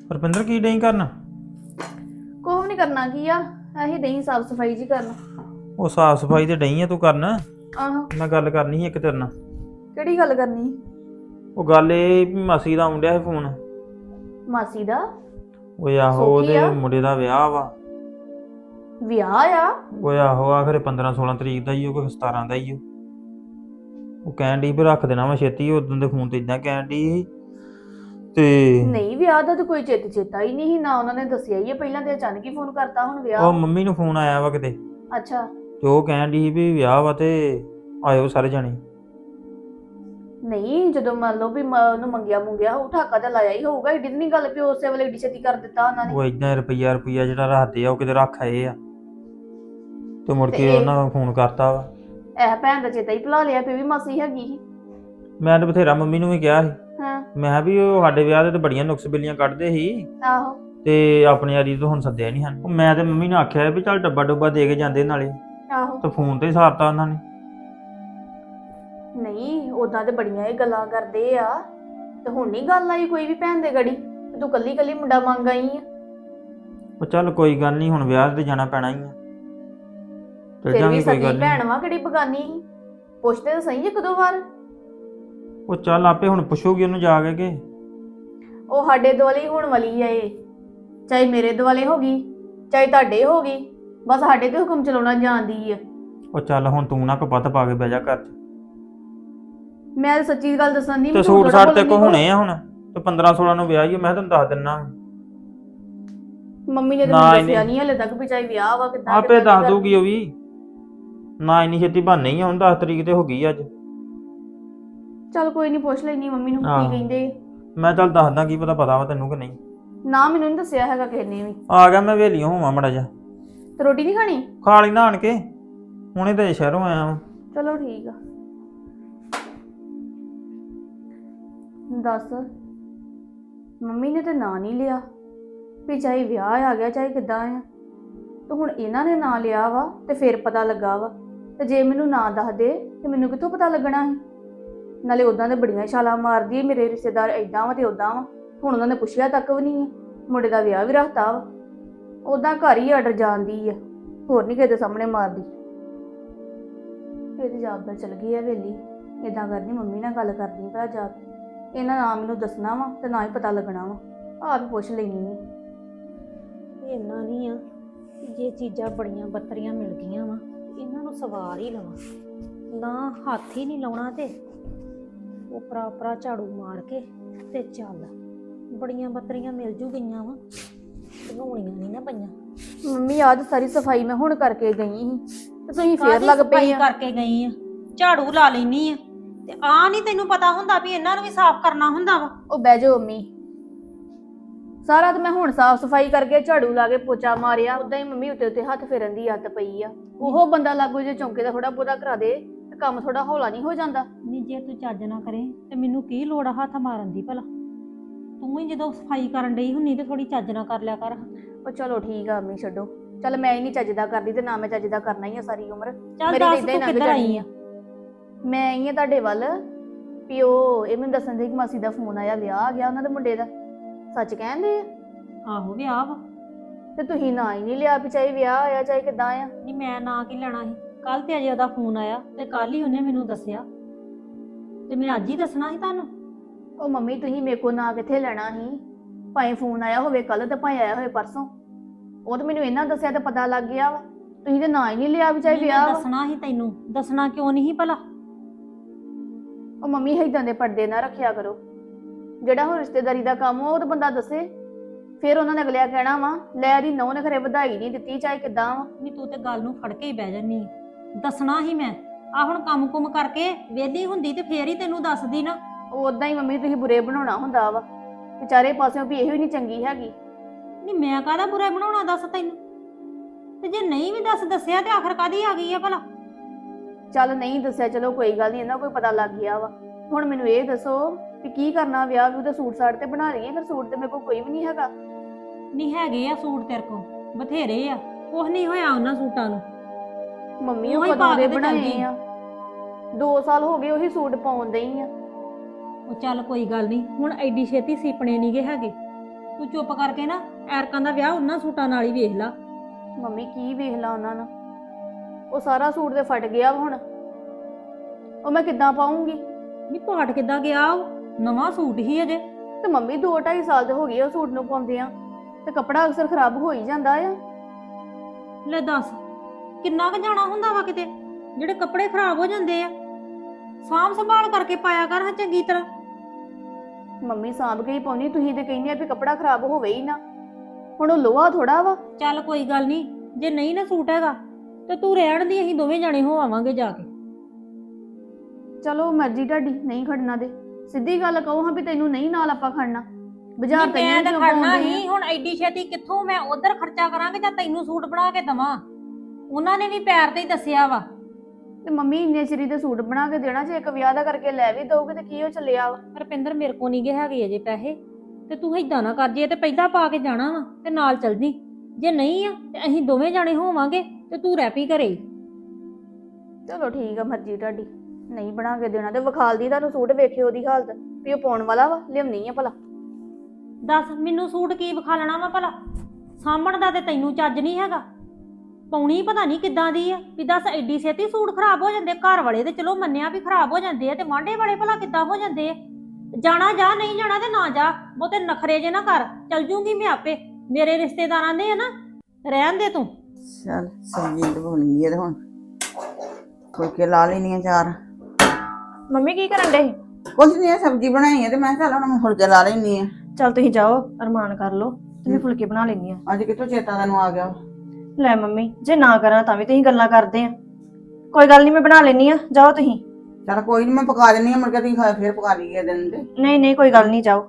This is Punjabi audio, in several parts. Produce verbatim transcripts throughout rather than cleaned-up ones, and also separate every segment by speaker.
Speaker 1: ਰੁਪਿੰਦਰ ਕੀ ਡਈ ਕਰਨ?
Speaker 2: ਕੋਹ ਨਹੀਂ ਕਰਨਾ ਕੀ ਆ ਇਹੀ ਦਹੀਂ ਸਾਫ ਸਫਾਈ ਜੀ ਕਰਨ।
Speaker 1: ਉਹ ਸਾਫ ਸਫਾਈ ਤੇ ਡਈ ਆ ਤੂੰ ਕਰਨ।
Speaker 2: ਆਹੋ
Speaker 1: ਮੈਂ ਗੱਲ ਕਰਨੀ ਸੀ ਇੱਕ ਤੇਰੇ ਨਾਲ।
Speaker 2: ਕਿਹੜੀ ਗੱਲ ਕਰਨੀ?
Speaker 1: ਉਹ ਗੱਲ ਇਹ ਵੀ ਮਾਸੀ ਦਾ ਆਉਂਦਿਆ ਸੀ ਫੋਨ।
Speaker 2: ਮਾਸੀ ਦਾ?
Speaker 1: ਓਏ ਆਹੋ
Speaker 2: ਸੋਖੀ
Speaker 1: ਉਹਦੇ
Speaker 2: ਆ?
Speaker 1: ਮੁੰਡੇ ਦਾ ਵਿਆਹ ਵਾ।
Speaker 2: ਵਿਆਹ ਆ?
Speaker 1: ਓਏ ਆਹੋ ਆ ਖਰੇ ਪੰਦਰਾਂ ਸੋਲਾਂ ਤਰੀਕ ਦਾ ਹੀ ਉਹ ਕੋਈ ਸਤਾਰਾਂ ਦਾ ਹੀ ਉਹ ਉਹ ਕਹਿਣ ਡਈ ਵੀ ਰੱਖ ਦੇਣਾ ਵਾ ਛੇਤੀ। ਉਦੋਂ ਦੇ ਫੋਨ ਤੇ ਇਦਾਂ ਕਹਿਣ ਡਈ ਸੀ ਤੇ
Speaker 2: ਨਹੀਂ ਵਿਆਹ ਦਾ ਤਾਂ ਕੋਈ ਚੇਤ ਚੇਤਾ ਹੀ ਨਹੀਂ ਸੀ ਨਾ ਉਹਨਾਂ ਨੇ ਦੱਸਿਆ ਹੀ ਆ। ਪਹਿਲਾਂ ਤੇ ਅਚਾਨਕ ਹੀ ਫੋਨ ਕਰਤਾ ਹੁਣ
Speaker 1: ਉਹ
Speaker 2: ਵਿਆਹ।
Speaker 1: ਮੰਮੀ ਨੂੰ ਫੋਨ ਆਇਆ ਵਾ ਕਿਤੇ
Speaker 2: ਅੱਛਾ
Speaker 1: ਤੇ ਉਹ ਕਹਿਣ ਡਈ ਸੀ ਵੀ ਵਿਆਹ ਵਾ ਤੇ ਆਇਓ ਸਾਰੇ ਜਾਣੇ।
Speaker 2: ਨਹੀਂ ਜਦੋਂ ਮੰਨ ਲਓ ਵੀ ਮ- ਉਹਨੂੰ ਮੰਗਿਆ ਮੁੰਗਿਆ ਹੋਊ ਠਾਕਾ ਤਾਂ ਲਾਇਆ ਹੀ ਹੋਊਗਾ। ਏਡੀ ਤਾਂ ਨਹੀਂ ਗੱਲ ਵੀ ਉਸੇ ਵੇਲੇ ਏਡੀ ਛੇਤੀ ਕਰ ਦਿੱਤਾ ਉਹਨਾਂ ਨੇ।
Speaker 1: ਉਹ ਇਦਾਂ ਰੁਪਈਆ ਰੁਪਈਆ ਜਿਹੜਾ ਰੱਖਦੇ ਆ ਉਹ ਕਿਤੇ ਰੱਖ ਆਏ ਆ ਤੇ ਮੁੜ
Speaker 2: ਤੇ
Speaker 1: ਕੇ
Speaker 2: ਇਹ-
Speaker 1: ਉਹਨਾਂ ਨੂੰ ਫੋਨ ਕਰਤਾ ਵਾ।
Speaker 2: ਇਹ ਭੈਣ ਦਾ ਚੇਤਾ ਹੀ ਭੁਲਾ ਲਿਆ ਵੀ ਵੀ ਮਾਸੀ ਹੈਗੀ ਸੀ।
Speaker 1: ਮੈਂ ਤਾਂ ਬਥੇਰਾ ਮੰਮੀ ਨੂੰ ਵੀ ਕਿਹਾ ਸੀ।
Speaker 2: ਹਾਂ
Speaker 1: ਮੈਂ ਕਿਹਾ ਵੀ ਉਹ ਸਾਡੇ ਵਿਆਹ ਦੇ ਤੇ ਬੜੀਆਂ ਨੁਕਸ ਬਿੱਲੀਆਂ ਕੱਢਦੇ ਸੀ
Speaker 2: ਆਹੋ
Speaker 1: ਤੇ ਆਪਣੇ ਯਾਰੀ ਤੋਂ ਹੁਣ ਸੱਦਿਆ ਨਹੀਂ ਹਨ। ਉਹ ਮੈਂ ਤੇ ਮੰਮੀ ਨੂੰ ਆਖਿਆ ਵੀ ਚੱਲ ਡੱਬਾ ਡੁੱਬਾ ਦੇ ਕੇ ਜਾਂਦੇ ਨਾਲੇ
Speaker 2: ਆਹੋ
Speaker 1: ਤੇ ਫੋਨ ਤੇ ਹੀ ਸਾਰਤਾ ਉਹਨਾਂ ਨੇ।
Speaker 2: ਨਹੀਂ ਉਦਾਂ ਤੇ ਬੜੀਆਂ ਇਹ ਗੱਲਾਂ ਕਰਦੇ ਆ ਤੇ ਹੁਣ ਨਹੀਂ ਗੱਲ ਆਈ ਕੋਈ ਵੀ ਭੈਣ ਦੇ ਗੜੀ ਤੇ ਤੂੰ ਕੱਲੀ ਕੱਲੀ ਮੁੰਡਾ ਮੰਗ ਆਈ ਆ।
Speaker 1: ਉਹ ਚੱਲ ਕੋਈ ਗੱਲ ਨਹੀਂ ਹੁਣ ਵਿਆਹ ਤੇ ਜਾਣਾ ਪੈਣਾ ਹੀ ਆ। ਚੱਲ
Speaker 2: ਫਿਰ ਵੀ
Speaker 1: ਜਾਂਗੇ ਕੋਈ
Speaker 2: ਸਗੀ
Speaker 1: ਗੱਲ
Speaker 2: ਭੈਣ
Speaker 1: ਨਹੀਂ।
Speaker 2: ਵਾ ਕਿਹੜੀ ਬਗਾਨੀ ਸੀ। ਪੁੱਛਦੇ ਤਾਂ ਸਹੀ ਇੱਕ ਦੋ ਵਾਰ।
Speaker 1: ਉਹ ਚੱਲ ਆਪੇ ਹੁਣ ਪੁੱਛੂਗੀ ਉਹਨੂੰ ਜਾ ਕੇ ਕਿ
Speaker 2: ਉਹ ਸਾਡੇ ਦੁਆਲੇ ਹੀ ਹੋਣ ਵਾਲੀ ਆ ਇਹ। ਚਾਹੇ ਮੇਰੇ ਦੁਆਲੇ ਹੋ ਗਈ ਚਾਹੇ ਤੁਹਾਡੇ ਹੋ ਗਈ ਬਸ ਸਾਡੇ ਤੇ ਹੁਕਮ ਚਲਾਉਣਾ ਜਾਣਦੀ ਆ।
Speaker 1: ਉਹ ਚੱਲ ਹੁਣ ਤੂੰ ਨਾ ਕਪੱਤ ਪਾ ਕੇ ਬਹਿ ਜਾ ਘਰ ਚ।
Speaker 2: ਮੈਂ ਤਾਂ ਸੱਚੀ ਗੱਲ ਦੱਸਣ ਦੀ
Speaker 1: ਤੇ ਸੂਟ ਸਾਟ ਤੇ ਕੋ ਹੋਣੇ ਆ ਹੁਣ ਤੇ ਪੰਦਰਾਂ ਸੋਲਾਂ ਨੂੰ ਵਿਆਹ ਹੀ ਆ। ਮੈਂ ਤੈਨੂੰ ਦੱਸ ਦਿੰਨਾ
Speaker 2: ਮੰਮੀ ਨੇ ਤਾਂ
Speaker 1: ਨਾ
Speaker 2: ਮੈਨੂੰ
Speaker 1: ਇਹਨੇ-
Speaker 2: ਦੱਸਿਆ ਨਹੀਂ ਹਲੇ ਤੱਕ ਵੀ ਚਾਹੇ ਵਿਆਹ ਵਾ ਕਿੱਦਾਂ
Speaker 1: ਆਪੇ
Speaker 2: ਕਿੱਦਾਂ
Speaker 1: ਦੱਸ
Speaker 2: ਦੀ
Speaker 1: ਦੂਗੀ ਉਹ ਵੀ। ਨਾ ਇੰਨੀ ਛੇਤੀ ਬਹਾਨੇ ਹੀ ਆ। ਹੁਣ ਦਸ ਤਰੀਕ ਤੇ ਹੋ ਗਈ ਅੱਜ।
Speaker 2: ਚੱਲ ਕੋਈ ਨਹੀਂ ਪੁੱਛ ਲੈਣੀ ਮੰਮੀ ਨੂੰ ਕੀ
Speaker 1: ਆਹੋ।
Speaker 2: ਕਹਿੰਦੇ।
Speaker 1: ਮੈਂ ਚੱਲ ਦੱਸਦਾ ਕੀ ਪਤਾ ਪਤਾ ਵਾ ਤੈਨੂੰ ਕਿ ਨਹੀਂ।
Speaker 2: ਨਾ ਮੈਨੂੰ ਨਹੀਂ ਦੱਸਿਆ ਹੈਗਾ ਕਿਸੇ ਨੇ ਵੀ।
Speaker 1: ਆ ਗਿਆ ਮੈਂ ਵੇਲੀਓ ਹੋਵਾਂ ਮੜਾ ਜਾ।
Speaker 2: ਤੇ ਰੋਟੀ ਨਹੀਂ ਖਾਣੀ?
Speaker 1: ਖਾ ਲਈ ਨਹਾਣ ਕੇ ਹੁਣੇ ਤੇ ਸ਼ਹਿਰੋਂ ਆਇਆ ਵਾਂ।
Speaker 2: ਚਲੋ ਠੀਕ ਆ। ਦੱਸ ਮੰਮੀ ਨੇ ਤਾਂ ਨਾਂ ਨਹੀਂ ਲਿਆ ਵੀ ਚਾਹੇ ਵਿਆਹ ਆ ਗਿਆ ਚਾਹੇ ਕਿੱਦਾਂ ਆ। ਤੇ ਹੁਣ ਇਹਨਾਂ ਨੇ ਨਾਂ ਲਿਆ ਵਾ ਤੇ ਫਿਰ ਪਤਾ ਲੱਗਾ ਵਾ। ਤੇ ਜੇ ਮੈਨੂੰ ਨਾਂ ਦੱਸ ਦੇ ਤੇ ਮੈਨੂੰ ਕਿੱਥੋਂ ਪਤਾ ਲੱਗਣਾ ਸੀ। ਨਾਲੇ ਉਦਾਂ ਦੇ ਬੜੀਆਂ ਛਾਲਾਂ ਮਾਰਦੀ ਮੇਰੇ ਰਿਸ਼ਤੇਦਾਰ ਏਦਾਂ ਵਾ ਤੇ ਉਦਾਂ ਵਾ। ਹੁਣ ਉਹਨਾਂ ਨੇ ਪੁੱਛਿਆ ਤੱਕ ਵੀ ਨਹੀਂ ਆ। ਮੁੰਡੇ ਦਾ ਵਿਆਹ ਵੀ ਰੱਖਤਾ ਵਾ। ਉਦਾਂ ਘਰ ਹੀ ਆਰਡਰ ਜਾਂਦੀ ਆ ਹੋਰ ਨਹੀਂ ਕਿਸੇ ਦੇ ਸਾਹਮਣੇ ਮਾਰਦੀ। ਫਿਰ ਜਾਬ ਚਲ ਗਈ ਆ ਵੇਲੀ। ਇਦਾਂ ਕਰਦੀ ਮੰਮੀ ਨਾਲ ਗੱਲ ਕਰਦੀ ਭਲਾ ਜਾ ਕੇ। ਇਹਨਾਂ ਨਾ ਮੈਨੂੰ ਦੱਸਣਾ ਵਾ ਤੇ ਨਾ ਹੀ ਪਤਾ ਲੱਗਣਾ ਵਾ। ਆਪ ਹੀ ਪੁੱਛ ਲੈਣੀ ਆ।
Speaker 3: ਇੰਨਾ ਨਹੀਂ ਆ ਕਿ ਜੇ ਚੀਜ਼ਾਂ ਬੜੀਆਂ ਬੱਤਰੀਆਂ ਮਿਲ ਗਈਆਂ ਵਾ ਇਹਨਾਂ ਨੂੰ ਸਵਾਰ ਹੀ ਲਵਾਂ ਨਾ ਹੱਥ ਹੀ ਨਹੀਂ ਲਾਉਣਾ ਤੇ ਉਪਰਾ ਉਪਰਾ ਝਾੜੂ ਮਾਰ ਕੇ ਤੇ ਚੱਲ। ਬੜੀਆਂ ਬੱਤਰੀਆਂ ਮਿਲ ਜੂ ਗਈਆਂ ਵਾ ਧੋਣੀਆਂ ਨਹੀਂ ਨਾ ਪਈਆਂ।
Speaker 2: ਮੰਮੀ ਆਹ ਸਾਰੀ ਸਫਾਈ ਮੈਂ ਹੁਣ ਕਰਕੇ ਗਈ ਸੀ ਤੇ ਤੁਸੀਂ ਫੇਰ
Speaker 3: ਕਾਹਦੀ
Speaker 2: ਲੱਗ ਪਈ
Speaker 3: ਸਫਾਈ
Speaker 2: ਆ।
Speaker 3: ਕਰਕੇ ਗਈ ਆ ਝਾੜੂ ਲਾ ਲੈਣੀ ਆ ਤੇ ਆ ਨਹੀਂ ਤੈਨੂੰ ਪਤਾ ਹੁੰਦਾ ਵੀ ਇਹਨਾਂ ਨੂੰ ਵੀ ਸਾਫ਼ ਕਰਨਾ ਹੁੰਦਾ ਵਾ।
Speaker 2: ਉਹ ਬਹਿ ਜਾਓ ਮੰਮੀ। ਸਾਰਾ ਤਾਂ ਮੈਂ ਹੁਣ ਸਾਫ ਸਫਾਈ ਕਰਕੇ ਝਾੜੂ ਲਾ ਕੇ ਪੋਚਾ ਮਾਰਿਆ। ਉਦਾਂ ਹੀ ਮੰਮੀ ਉੱਤੇ ਉੱਤੇ ਹੱਥ ਫੇਰਨ ਦੀ ਆਦਤ ਪਈ ਆ। ਉਹ ਬੰਦਾ ਲਾਗੂ ਜੇ ਚੌਂਕੇ ਦਾ ਥੋੜਾ ਬਹੁਤਾ ਕਰਾ ਦੇ ਤੇ ਕੰਮ ਥੋੜਾ ਹੌਲਾ ਨਹੀਂ ਹੋ ਜਾਂਦਾ।
Speaker 3: ਨਹੀਂ ਜੇ ਤੂੰ ਚੱਜ ਨਾ ਕਰੇ ਤੇ ਮੈਨੂੰ ਕੀ ਲੋੜ ਆ ਹੱਥ ਮਾਰਨ ਦੀ ਭਲਾ। ਤੂੰ ਹੀ ਜਦੋਂ ਸਫਾਈ ਕਰਨ ਡਈ ਹੁੰਨੀ ਤੇ ਥੋੜੀ ਚੱਜ ਨਾ ਕਰ ਲਿਆ ਕਰ।
Speaker 2: ਉਹ ਚਲੋ ਠੀਕ ਆ ਮੰਮੀ ਛੱਡੋ। ਚੱਲ ਮੈਂ ਹੀ ਨਹੀਂ ਚੱਜਦਾ ਕਰਦੀ ਤੇ ਨਾ ਮੈਂ ਚੱਜਦਾ ਕਰਨਾ ਹੀ ਆ ਸਾਰੀ ਉਮਰ।
Speaker 3: ਚੱਲ
Speaker 2: ਮੇਰੀ ਤਾਂ
Speaker 3: ਦੱਸ
Speaker 2: ਏਦਾਂ ਹੀ
Speaker 3: ਤੂੰ
Speaker 2: ਲੰਘ
Speaker 3: ਕਿੱਧਰ ਆਈ
Speaker 2: ਜਾਣੀ
Speaker 3: ਆ?
Speaker 2: ਮੈਂ ਆਈ ਆ ਤੁਹਾਡੇ ਵੱਲ ਵੀ ਉਹ ਇਹ ਮੈਨੂੰ ਦੱਸਣ ਦੇ ਕਿ ਮਾਸੀ ਦਾ ਫੋਨ ਆਇਆ ਵਿਆਹ ਆ ਗਿਆ ਉਹਨਾਂ ਦੇ ਮੁੰਡੇ ਦਾ। ਸੱਚ ਕਹਿੰਦੇ ਆ?
Speaker 3: ਆਹੋ ਵਿਆਹ ਵਾ।
Speaker 2: ਤੇ ਤੁਸੀਂ ਨਾ ਹੀ ਨਹੀਂ ਲਿਆ ਵੀ ਚਾਹੇ ਵਿਆਹ ਆਇਆ ਚਾਹੇ ਕਿੱਦਾਂ ਆ।
Speaker 3: ਨਹੀਂ ਮੈਂ ਨਾ ਕੀ ਲੈਣਾ ਸੀ। ਕੱਲ ਤੇ ਅਜੇ ਉਹਦਾ ਫੋਨ ਆਇਆ ਤੇ ਕੱਲ ਹੀ ਉਹਨੇ ਮੈਨੂੰ ਦੱਸਿਆ ਤੇ ਮੈਂ ਅੱਜ ਹੀ ਦੱਸਣਾ ਸੀ ਤੁਹਾਨੂੰ।
Speaker 2: ਉਹ ਮੰਮੀ ਤੁਸੀਂ ਮੇਰੇ ਕੋਲ ਨਾ ਕਿੱਥੇ ਲੈਣਾ ਸੀ। ਭਾਵੇਂ ਫੋਨ ਆਇਆ ਹੋਵੇ ਕੱਲ ਤੇ ਭਾਵੇਂ ਆਇਆ ਹੋਵੇ ਪਰਸੋਂ। ਉਹ ਤਾਂ ਮੈਨੂੰ ਇਹਨਾਂ ਦੱਸਿਆ ਤੇ ਪਤਾ ਲੱਗ ਗਿਆ ਵਾ। ਤੁਸੀਂ ਤੇ ਨਾ ਹੀ ਨਹੀਂ ਲਿਆ ਵੀ ਚਾਹੇ
Speaker 3: ਨਹੀਂ,
Speaker 2: ਵਿਆਹ
Speaker 3: ਮੈਂ
Speaker 2: ਵਾ।
Speaker 3: ਦੱਸਣਾ ਸੀ ਤੈਨੂੰ। ਦੱਸਣਾ ਕਿਉਂ ਨਹੀਂ ਸੀ ਭਲਾ?
Speaker 2: ਉਹ ਮੰਮੀ ਏਦਾਂ ਦੇ ਪਰਦੇ ਨਾ ਰੱਖਿਆ ਕਰੋ। ਜਿਹੜਾ ਹੁਣ ਰਿਸ਼ਤੇਦਾਰੀ ਦਾ ਕੰਮ ਆ ਉਹ ਤਾਂ ਬੰਦਾ ਦੱਸੇ। ਫਿਰ ਉਹਨਾਂ ਨੇ ਅਗਲਿਆ ਕਹਿਣਾ ਵਾ ਲੈ ਦੀ ਨਹੁੰ ਨੇ ਖਰੇ ਵਧਾਈ ਨਹੀਂ ਦਿੱਤੀ ਚਾਹੇ ਕਿੱਦਾਂ ਵਾ।
Speaker 3: ਨਹੀਂ ਤੂੰ ਤੇ ਗੱਲ ਨੂੰ ਫੜ ਕੇ ਹੀ ਬਹਿ ਜਾਨੀ ਆਂ। ਦੱਸਣਾ ਸੀ ਮੈਂ। ਆ ਹੁਣ ਕੰਮ ਕੁਮ ਕਰਕੇ ਵਿਹਲੀ ਹੁੰਦੀ ਤੇ ਫੇਰ ਹੀ ਤੈਨੂੰ ਦੱਸਦੀ ਨਾ।
Speaker 2: ਉਦਾਂ ਹੀ ਮੰਮੀ ਤੁਸੀਂ ਬੁਰੇ ਬਣਾਉਣਾ ਹੁੰਦਾ ਵਾ ਵਿਚਾਰੇ ਪਾਸਿਓਂ ਵੀ ਇਹੋ ਹੀ ਨਹੀਂ ਚੰਗੀ ਹੈਗੀ।
Speaker 3: ਨਹੀਂ ਮੈਂ ਕਾਹਦਾ ਬੁਰਾ ਬਣਾਉਣਾ ਦੱਸ ਤੈਨੂੰ। ਤੇ ਜੇ ਨਹੀਂ ਵੀ ਦੱਸ ਦੱਸਿਆ ਤੇ ਆਖਰ ਕਾਦੀ ਆ ਗਈ ਆ ਭਲਾ?
Speaker 2: ਚੱਲ ਨਹੀਂ ਦੱਸਿਆ ਚਲੋ ਕੋਈ ਗੱਲ ਨਹੀਂ ਇਹਨਾਂ ਕੋਈ ਪਤਾ ਲੱਗ ਗਿਆ ਵਾ। ਹੁਣ ਮੈਨੂੰ ਇਹ ਦੱਸੋ ਵੀ ਕੀ ਕਰਨਾ ਵਿਆਹ ਵੀ ਉਹਦਾ ਸੂਟ ਸਾਟ ਤੇ ਬਣਾ ਲਈਏ। ਫਿਰ ਸੂਟ ਤੇ ਮੇਰੇ ਕੋਲ ਕੋਈ ਵੀ ਨਹੀਂ ਹੈਗਾ।
Speaker 3: ਨਹੀਂ ਹੈਗੇ ਆ ਸੂਟ ਤੇਰੇ ਕੋਲ ਬਥੇਰੇ ਆ। ਕੁਛ ਨਹੀਂ ਹੋਇਆ ਉਹਨਾਂ ਸੂਟਾਂ ਨੂੰ।
Speaker 2: ਮੰਮੀ ਉਹ
Speaker 3: ਉਹੀ
Speaker 2: ਕਦੋਂ
Speaker 3: ਪਾ
Speaker 2: ਦੇ
Speaker 3: ਕੇ ਤੇ ਚੱਲ
Speaker 2: ਬਣਾਏ
Speaker 3: ਗਈ।
Speaker 2: ਆ। ਦੋ ਸਾਲ ਹੋ ਗਏ ਉਹੀ ਸੂਟ ਪਾਉਣ ਦਈ ਆ।
Speaker 3: ਉਹ ਚੱਲ ਕੋਈ ਗੱਲ ਨਹੀਂ। ਹੁਣ ਐਡੀ ਛੇਤੀ ਸੀਪਣੇ ਨਹੀਂਗੇ ਹੈਗੇ। ਤੂੰ ਚੁੱਪ ਕਰਕੇ ਨਾ ਐਰਕਾਂ ਦਾ ਵਿਆਹ ਉਹਨਾਂ ਸੂਟਾਂ ਨਾਲ ਹੀ ਵੇਖ ਲਾ।
Speaker 2: ਮੰਮੀ ਕੀ ਵੇਖ ਲਾ ਉਹਨਾਂ ਨਾਲ, ਉਹ ਸਾਰਾ ਸੂਟ ਤੇ ਫਟ ਗਿਆ ਵਾ ਹੁਣ, ਉਹ ਮੈਂ ਕਿੱਦਾਂ ਪਾਉਂਗੀ?
Speaker 3: ਨਹੀਂ ਪਾਟ ਕਿੱਦਾਂ ਗਿਆ, ਉਹ ਨਵਾਂ ਸੂਟ ਹੀ ਅਜੇ।
Speaker 2: ਤੇ ਮੰਮੀ ਦੋ ਢਾਈ ਸਾਲ ਦੇ ਹੋ ਗਏ ਉਹ ਸੂਟ ਨੂੰ ਪਾਉਂਦੇ ਆ, ਤੇ ਕੱਪੜਾ ਅਕਸਰ ਖਰਾਬ ਹੋ ਹੀ ਜਾਂਦਾ ਆ।
Speaker 3: ਲੈ ਦੱਸ, ਕਿੰਨਾ ਕੁ ਜਾਣਾ ਹੁੰਦਾ ਵਾ ਕਿਤੇ ਜਿਹੜੇ ਕੱਪੜੇ ਖਰਾਬ ਹੋ ਜਾਂਦੇ ਆ। ਸਾਂਭ ਸੰਭਾਲ ਕਰਕੇ ਪਾਇਆ ਕਰ ਹਾਂ ਚੰਗੀ ਤਰ੍ਹਾਂ।
Speaker 2: ਮੰਮੀ ਸਾਂਭ ਕੇ ਹੀ ਪਾਉਣੀ, ਤੁਸੀਂ ਤੇ ਕਹਿੰਦੇ ਆ ਵੀ ਕੱਪੜਾ ਖਰਾਬ ਹੋਵੇ ਹੀ ਨਾ, ਹੁਣ ਉਹ ਲੋਹਾ ਥੋੜਾ ਵਾ।
Speaker 3: ਚੱਲ ਕੋਈ ਗੱਲ ਨਹੀਂ, ਜੇ ਨਹੀਂ ਨਾ ਸੂਟ ਹੈਗਾ ਤੇ ਤੂੰ ਰਹਿਣ ਦੀ, ਅਸੀਂ ਦੋਵੇਂ ਜਾਣੇ ਹੋ ਆਵਾਂਗੇ ਜਾ ਕੇ।
Speaker 2: ਚਲੋ ਮਰਜ਼ੀ ਤੁਹਾਡੀ, ਨਹੀਂ ਖੜਨਾ ਦੇ ਸਿੱਧੀ ਗੱਲ ਕਹੋ ਹਾਂ ਵੀ ਤੈਨੂੰ ਨਹੀਂ ਨਾਲ ਆਪਾਂ ਖੜਨਾ, ਬਾਜ਼ਾਰ
Speaker 3: ਨਹੀਂ, ਮੈਂ ਤਾਂ
Speaker 2: ਕਿਉਂ
Speaker 3: ਖੜਨਾ
Speaker 2: ਪਾਉਂਦੇ
Speaker 3: ਹੀ।
Speaker 2: ਆ?
Speaker 3: ਹੁਣ ਐਡੀ ਛੇਤੀ ਕਿੱਥੋਂ ਮੈਂ ਉਧਰ ਖਰਚਾ ਕਰਾਂਗੇ ਜਾਂ ਤੈਨੂੰ ਸੂਟ ਬਣਾ ਕੇ ਦਵਾਂ? ਉਹਨਾਂ ਨੇ ਵੀ ਪੈਰ ਤੇ ਹੀ ਦੱਸਿਆ ਵਾ।
Speaker 2: ਤੇ ਮੰਮੀ ਇੰਨੇ ਚਿਰੀ ਦੇ ਸੂਟ ਬਣਾ ਕੇ ਦੇਣਾ, ਜੇ ਇੱਕ ਵਿਆਹ ਦਾ ਕਰਕੇ ਲੈ ਵੀ ਦੋਗੇ ਤੇ ਕੀ ਉਹ ਚੱਲਿਆ ਵਾ?
Speaker 3: ਰੁਪਿੰਦਰ ਮੇਰੇ ਕੋ ਨਹੀਂ ਗੇ ਹੈਗੇ ਅਜੇ ਪੈਸੇ, ਤੇ ਤੂੰ ਏਦਾਂ ਨਾ ਕਰ, ਜੇ ਤੇ ਪਹਿਲਾਂ ਪਾ ਕੇ ਜਾਣਾ ਵਾ ਤੇ ਨਾਲ ਚੱਲ ਜੀ, ਜੇ ਨਹੀਂ ਆ ਤੇ ਅਸੀਂ ਦੋਵੇਂ ਜਾਣੇ ਹੋਵਾਂਗੇ ਤੇ ਤੂੰ ਰਹਿ ਪਈ ਘਰੇ।
Speaker 2: ਚਲੋ ਠੀਕ ਆ, ਮਰਜ਼ੀ ਤੁਹਾਡੀ, ਨਹੀਂ ਬਣਾ ਕੇ ਦੇਣਾ ਤੇ ਵਿਖਾਲਦੀ ਤੁਹਾਨੂੰ ਸੂਟ, ਵੇਖਿਓ ਉਹਦੀ ਹਾਲਤ ਵੀ ਉਹ ਪਾਉਣ ਵਾਲਾ ਵਾ, ਲਿਆਉਣੀ ਆ ਭਲਾ।
Speaker 3: ਦੱਸ ਮੈਨੂੰ ਸੂਟ ਕੀ ਵਿਖਾਲਣਾ ਵਾ ਭਲਾ? ਸਾਂਭਣ ਦਾ ਤੇ ਤੈਨੂੰ ਚੱਜ ਨਹੀਂ ਹੈਗਾ, ਪਾਉਣੀ ਪਤਾ ਨਹੀਂ ਕਿੱਦਾਂ ਦੀ ਆ। ਵੀ ਦੱਸ ਐਡੀ ਛੇਤੀ ਸੂਟ ਖਰਾਬ ਹੋ ਜਾਂਦੇ? ਘਰ ਵਾਲੇ ਤੇ ਚਲੋ ਮੰਨਿਆ ਵੀ ਖਰਾਬ ਹੋ ਜਾਂਦੇ ਆ, ਤੇ ਵਾਂਢੇ ਵਾਲੇ ਭਲਾ ਕਿੱਦਾਂ ਹੋ ਜਾਂਦੇ ਆ? ਜਾਣਾ ਜਾ, ਨਹੀਂ ਜਾਣਾ ਤੇ ਨਾ ਜਾ, ਬਹੁਤੇ ਨਖਰੇ ਜੇ ਨਾ ਕਰ, ਚੱਲ ਜੂੰਗੀ ਮੈਂ ਆਪੇ, ਮੇਰੇ ਰਿਸ਼ਤੇਦਾਰਾਂ ਦੇ ਆ ਨਾ, ਰਹਿਣ ਦੇ ਤੂੰ।
Speaker 4: ਚੱਲ ਸਬਜ਼ੀ ਤਾਂ ਬਣ ਗਈ ਹੈ ਤੇ ਹੁਣ ਫੁਲਕੇ ਲਾ ਲੈਣੀ ਆ ਚਾਰ।
Speaker 2: ਮੰਮੀ ਕੀ ਕਰਨ ਡੇ?
Speaker 4: ਕੁਝ ਨਹੀਂ ਹੈ, ਸਬਜ਼ੀ ਬਣਾਈ ਹੈ ਤੇ ਮੈਂ ਕਿਹਾ ਚੱਲ ਹੁਣ ਮੈਂ ਫੁਲਕੇ ਲਾ ਲੈਣੀ ਆ।
Speaker 5: ਚੱਲ ਤੁਸੀਂ ਜਾਓ, ਅਰਮਾਨ ਕਰ ਲਓ ਤੇ ਮੈਂ ਫੁਲਕੇ ਬਣਾ ਲੈਣੀ ਆ।
Speaker 4: ਅੱਜ ਕਿੱਥੋਂ ਚੇਤਾ ਤੈਨੂੰ ਆ ਗਿਆ?
Speaker 5: ਲੈ ਮੰਮੀ, ਜੇ ਨਾ ਕਰਾਂ ਤਾਂ ਵੀ ਤੁਸੀਂ ਗੱਲਾਂ ਕਰਦੇ ਆ। ਕੋਈ ਗੱਲ ਨਹੀਂ, ਮੈਂ ਬਣਾ ਲੈਣੀ ਆ, ਜਾਓ ਤੁਸੀਂ।
Speaker 4: ਚੱਲ ਕੋਈ ਨਹੀਂ, ਮੈਂ ਪਕਾ ਦਿੰਨੀ ਆ, ਮੁੜ ਕੇ ਤੁਸੀਂ ਖਾ ਫੇਰ ਪਕਾ ਲਈਏ ਦਿਨ ਤੇ।
Speaker 5: ਨਹੀਂ ਨਹੀਂ ਕੋਈ ਗੱਲ ਨਹੀਂ, ਜਾਓ,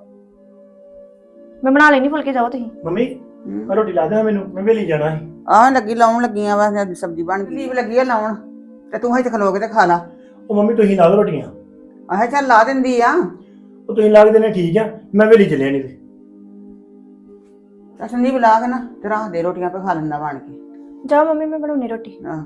Speaker 5: ਮੈਂ ਬਣਾ ਲੈਣੀ ਫੁਲਕੇ, ਜਾਓ ਤੁਸੀਂ।
Speaker 6: ਮੰਮੀ ਆ ਰੋਟੀ ਲਾ ਦੇ ਮੈਨੂੰ, ਮੈਂ ਵੇਲੀ ਜਾਣਾ ਸੀ।
Speaker 4: ਆਹ ਲੱਗੀ ਲਾਉਣ ਲੱਗੀਆਂ ਵਾ, ਸਬਜ਼ੀ ਬਣ ਗਈ, ਲੀਵ ਲੱਗੀ ਆ ਲਾਉਣ, ਤੇ ਤੂੰ ਇੱਥੇ ਖਲੋ ਕੇ ਤੇ ਖਾ ਲਾ।
Speaker 6: ਉਹ ਮੰਮੀ ਤੁਸੀਂ ਲਾ ਦਿਓ ਰੋਟੀਆਂ।
Speaker 4: ਆਹ ਚੱਲ ਲਾ ਦਿੰਦੀ ਆ।
Speaker 6: ਉਹ ਤੁਸੀਂ ਲਾ ਕੇ ਦੇਣੇ ਠੀਕ ਆ, ਮੈਂ ਵੇਲੀ ਚੱਲਿਆ ਨਹੀਂ ਤੇ।
Speaker 4: ਤਾਂ ਸੰਦੀਪ ਲਾ ਕੇ ਨਾ ਤੇ ਰੱਖ ਦੇ, ਰੋਟੀਆਂ ਪੇ ਖਾ ਲੈਂਦਾ ਬਣ ਕੇ।
Speaker 5: ਜਾਓ ਮੰਮੀ, ਮੈਂ ਬਣਾਉਣੀ ਰੋਟੀ।
Speaker 4: ਆਹ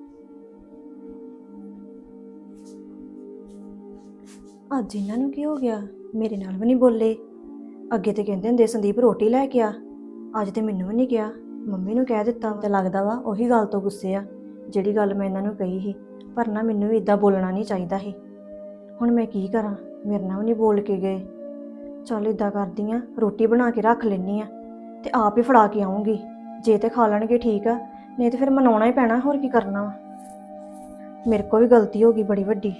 Speaker 5: ਅੱਜ ਇਹਨਾਂ ਨੂੰ ਕੀ ਹੋ ਗਿਆ? ਮੇਰੇ ਨਾਲ ਵੀ ਨਹੀਂ ਬੋਲੇ। ਅੱਗੇ ਤੇ ਕਹਿੰਦੇ ਹੁੰਦੇ ਸੰਦੀਪ ਰੋਟੀ ਲੈ ਕੇ ਆ, ਅੱਜ ਤੇ ਮੈਨੂੰ ਵੀ ਨਹੀਂ ਕਿਹਾ, ਮੰਮੀ ਨੂੰ ਕਹਿ ਦਿੱਤਾ। ਤੇ ਲੱਗਦਾ ਵਾ ਉਹੀ ਗੱਲ ਤੋਂ ਗੁੱਸੇ ਆ ਜਿਹੜੀ ਗੱਲ ਮੈਂ ਇਹਨਾਂ ਨੂੰ ਕਹੀ ਸੀ, ਪਰ ਨਾ ਮੈਨੂੰ ਵੀ ਇਦਾਂ ਬੋਲਣਾ ਨਹੀਂ ਚਾਹੀਦਾ ਸੀ। ਹੁਣ ਮੈਂ ਕੀ ਕਰਾਂ, ਮੇਰੇ ਨਾਲ ਵੀ ਨਹੀਂ ਬੋਲ ਕੇ ਗਏ। ਚੱਲ ਇਦਾਂ ਕਰਦੀ ਆ, ਰੋਟੀ ਬਣਾ ਕੇ ਰੱਖ ਲੈਣੀ ਆ ਤੇ ਆਪ ਹੀ ਫੜਾ ਕੇ ਆਉਂਗੀ। ਜੇ ਤੇ ਖਾ ਲੈਣਗੇ ਠੀਕ ਆ, ਨਹੀਂ ਤੇ ਫਿਰ ਮਨਾਉਣਾ ਹੀ ਪੈਣਾ, ਹੋਰ ਕੀ ਕਰਨਾ ਵਾ। ਮੇਰੇ ਕੋਲ ਵੀ ਗਲਤੀ ਹੋ ਗਈ ਬੜੀ ਵੱਡੀ।